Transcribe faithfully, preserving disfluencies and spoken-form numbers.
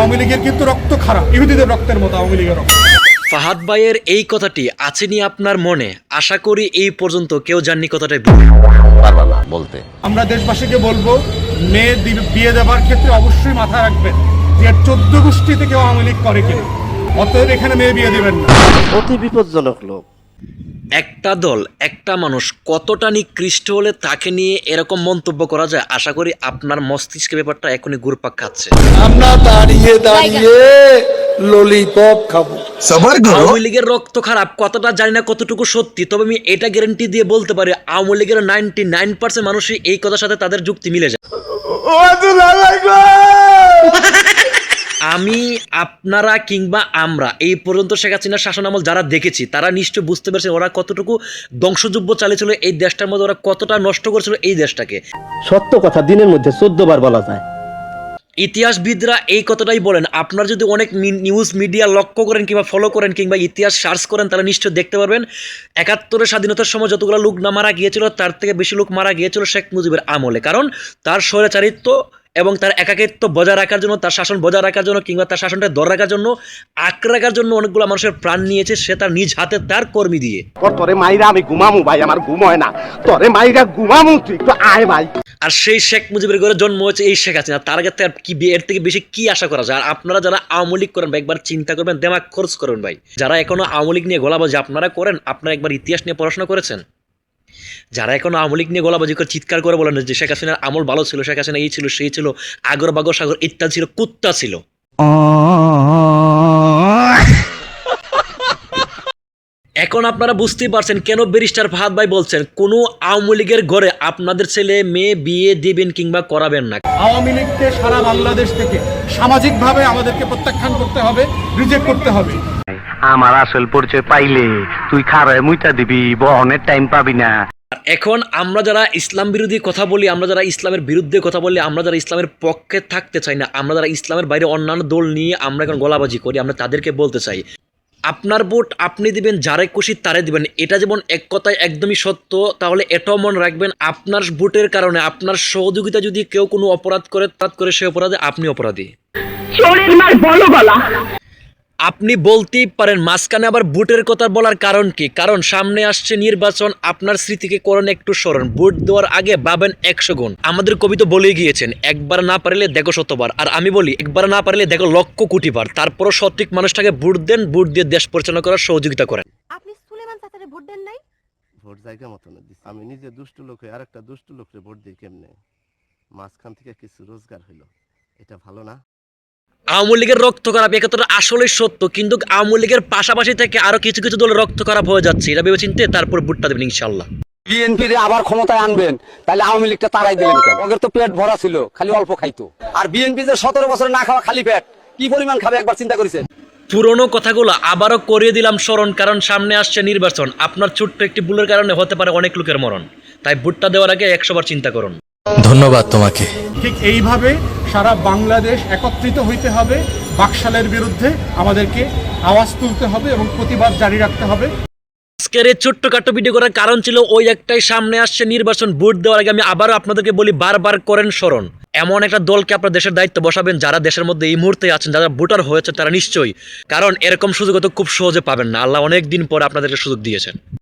আওয়ামী লীগের কিন্তু রক্ত খারাপ, ইহুদিদের রক্তের মতো আওয়ামী লীগের রক্ত। ফাহাদ ভাইয়ের এই কথাটি আছেনি আপনার মনে? আশা করি এই পর্যন্ত কেউ জাননি কথাটাই পারবা না বলতে। আমরা দেশবাসীকে বলবো, মেয়ে বিয়ে দেওয়ার ক্ষেত্রে অবশ্যই মাথায় রাখবেন যে চোদ্দ গোষ্ঠীতে কেউ আওয়ামী লীগ করে কিনা। অতএব এখানে মেয়ে বিয়ে দেবেন না। অতি বিপজ্জনক লোক। একটা দল, একটা মানুষ কতটা নিকৃষ্ট হলে তাকে নিয়ে এরকম মন্তব্য করা যায়? আশা করি আপনার মস্তিষ্কে ব্যাপারটা এখনই ঘুরপাক খাচ্ছে। আমরা দাঁড়িয়ে দাঁড়িয়ে ললিপপ খাবো। আওয়ামী লীগের রক্ত খারাপ কথাটা জানি না কতটুকু সত্যি, তবে আমি এটা গ্যারান্টি দিয়ে বলতে পারি আওয়ামী লীগের নাইনটি নাইন পার্সেন্ট মানুষই এই কথার সাথে তাদের যুক্তি মিলে যায়। আমি, আপনারা কিংবা আমরা এই পর্যন্ত শেখ হাসিনার শাসন আমল যারা দেখেছি তারা নিশ্চয় বুঝতে পারছে ওরা কতটুকু ধ্বংসযুদ্ধ চালিয়েছিল এই দেশটার মধ্যে, ওরা কতটা নষ্ট করেছিল এই দেশটাকে। সত্য কথা দিনের মধ্যে চোদ্দ বার বলা যায়। ইতিহাসবিদরা এই কথাটাই বলেন। আপনারা যদি অনেক নিউজ মিডিয়া লক্ষ্য করেন কিংবা ফলো করেন কিংবা ইতিহাস সার্চ করেন তাহলে নিশ্চয় দেখতে পারবেন একাত্তরের স্বাধীনতার সময় যতগুলো লোক না মারা গিয়েছিল তার থেকে বেশি লোক মারা গিয়েছিল শেখ মুজিবের আমলে। কারণ তার স্বৈরাচারিত্ব এবং তার একাকিত্ব বজায় রাখার জন্য, তার শাসন বজায় রাখার জন্য কিংবা তার শাসনটা ধরে রাখার জন্য, আঁকড়ে রাখার জন্য অনেকগুলো মানুষের প্রাণ নিয়েছে সে তার নিজ হাতে তার কর্মী দিয়ে। তোরে মাইরা আমি ঘুমামু ভাই, আমার ঘুম হয় না। তোরে মাইরা ঘুমামু, তুই একটু আয় ভাই। আর সেই শেখ মুজিবের ঘরে জন্ম হয়েছে এই শেখ হাসিনা। তার কাছে আর কি এর থেকে বেশি কি আশা করা যায়? আর আপনারা যারা আওয়ামী লীগ করেন ভাই একবার চিন্তা করবেন, দেমাগ খরচ করবেন ভাই। যারা এখনো আওয়ামী লীগ নিয়ে গলাবাজি আপনারা করেন, আপনারা একবার ইতিহাস নিয়ে পড়াশোনা করেছেন? যারা এখন আওয়ামী লীগ নিয়ে গলাবাজি করে চিৎকার করে বলেন যে শেখ হাসিনার আমল ভালো ছিল, শেখ হাসিনা এই ছিল সেই ছিল, আগর বাগর সাগর ইত্যাদি ছিল, কুত্তা ছিল। এখন আপনারা বুঝতেই পারছেন কেন ব্যারিস্টার ফাহাদ ভাই বলছেন কোনো আওয়ামী লীগের ঘরে আপনাদের ছেলে মেয়ে বিয়ে দিবেন কিংবা করাবেন না। আওয়ামী লীগকে সারা বাংলাদেশ থেকে সামাজিকভাবে আমাদেরকে প্রত্যাখ্যান করতে হবে, রিজেক্ট করতে হবে। আমার আসল পরিচয় পাইলে তুই খারায় মুইটা দিবি, বহনের টাইম পাবি না। এখন আমরা যারা ইসলাম বিরোধী কথা বলি, আমরা যারা ইসলামের বিরুদ্ধে কথা বলি, আমরা যারা ইসলামের পক্ষে থাকতে চাই না, আমরা যারা ইসলামের বাইরে অন্যান্য দল নিয়ে আমরা এখন গলাবাজি করি, আমরা তাদেরকে বলতে চাই আপনার ভোট আপনি দিবেন যারে খুশি তারে দিবেন। এটা যেমন এক কথায় একদমই সত্য, তাহলে এটাও মনে রাখবেন আপনার ভোটের কারণে আপনার সহযোগিতা যদি কেউ কোনো অপরাধ করে তাৎ করে সে অপরাধে আপনি অপরাধী। আপনি বলতেই পারেন মাঝখানে আবার ভোটের কথা বলার কারণ কি? কারণ সামনে আসছে নির্বাচন, আপনার স্মৃতিকে করেন একটু স্মরণ। ভোট দেওয়ার আগে ভাবেন একশো গুণ। আমাদের কবি তো বলেই গিয়েছেন একবার না পারলে দেখো শতবার, আর আমি বলি একবার না পারলে দেখো লক্ষ কোটি বার। তারপরও সঠিক মানুষটাকে ভোট দেন, ভোট দিয়ে দেশ পরিচালনা করার সহযোগিতা করেন। আপনি সুলেমান চাচারে ভোট দেন নাই? ভোট জায়গা মতো না দিছি। আমি নিজে দুষ্টু লোক হয়ে আরেকটা দুষ্টু লোকরে ভোট দিই কেমনে? মাঝখান থেকে কিছু রোজগার হইলো, এটা ভালো না? আওয়ামী লীগের রক্ত খারাপ একথা আসলে সত্য, কিন্তু আওয়ামী লীগের পাশাপাশি থেকে আরো কিছু কিছু দলের রক্ত খারাপ হয়ে যাচ্ছে। এটা ভেবে চিন্তে তারপর ভোটটা দেবেন ইনশাল্লাহ। বিএনপির আবার ক্ষমতায় আনবেন, তাহলে আওয়ামী লীগটা তারাই দিলেন কেন? ওদের তো পেট ভরা ছিল, খালি অল্প খাইতো। আর বিএনপি যে সতেরো বছর না খাওয়া খালি পেট, কি পরিমাণ খাবে একবার চিন্তা করেছেন? পুরনো কথাগুলো আবারও করিয়ে দিলাম স্মরণ, কারণ সামনে আসছে নির্বাচন। আপনার ছোট্ট একটি ভুলের কারণে হতে পারে অনেক লোকের মরণ, তাই ভোটটা দেওয়ার আগে একশো বার চিন্তা করুন। ধন্যবাদ তোমাকে। ঠিক এইভাবে সারা বাংলাদেশ একত্রিত হইতে হবে, বাকশালের বিরুদ্ধে আমাদেরকে আওয়াজ তুলতে হবে এবং প্রতিবাদ জারি রাখতে হবে। আজকের এই ছোট্টখাটো ভিডিও করার কারণ ছিল ওই একটাই, সামনে আসছে নির্বাচন। ভোট দেওয়ার আগে আমি আবারও আপনাদেরকে বলি বারবার করেন স্মরণ, এমন একটা দলকে আপনার দেশের দায়িত্ব বসাবেন যারা দেশের মধ্যে এই মুহূর্তে আছেন, যারা ভোটার হয়েছে তারা নিশ্চয়ই, কারণ এরকম সুযোগ তো খুব সহজে পাবেন না। আল্লাহ অনেক দিন পর আপনাদেরকে সুযোগ দিয়েছেন।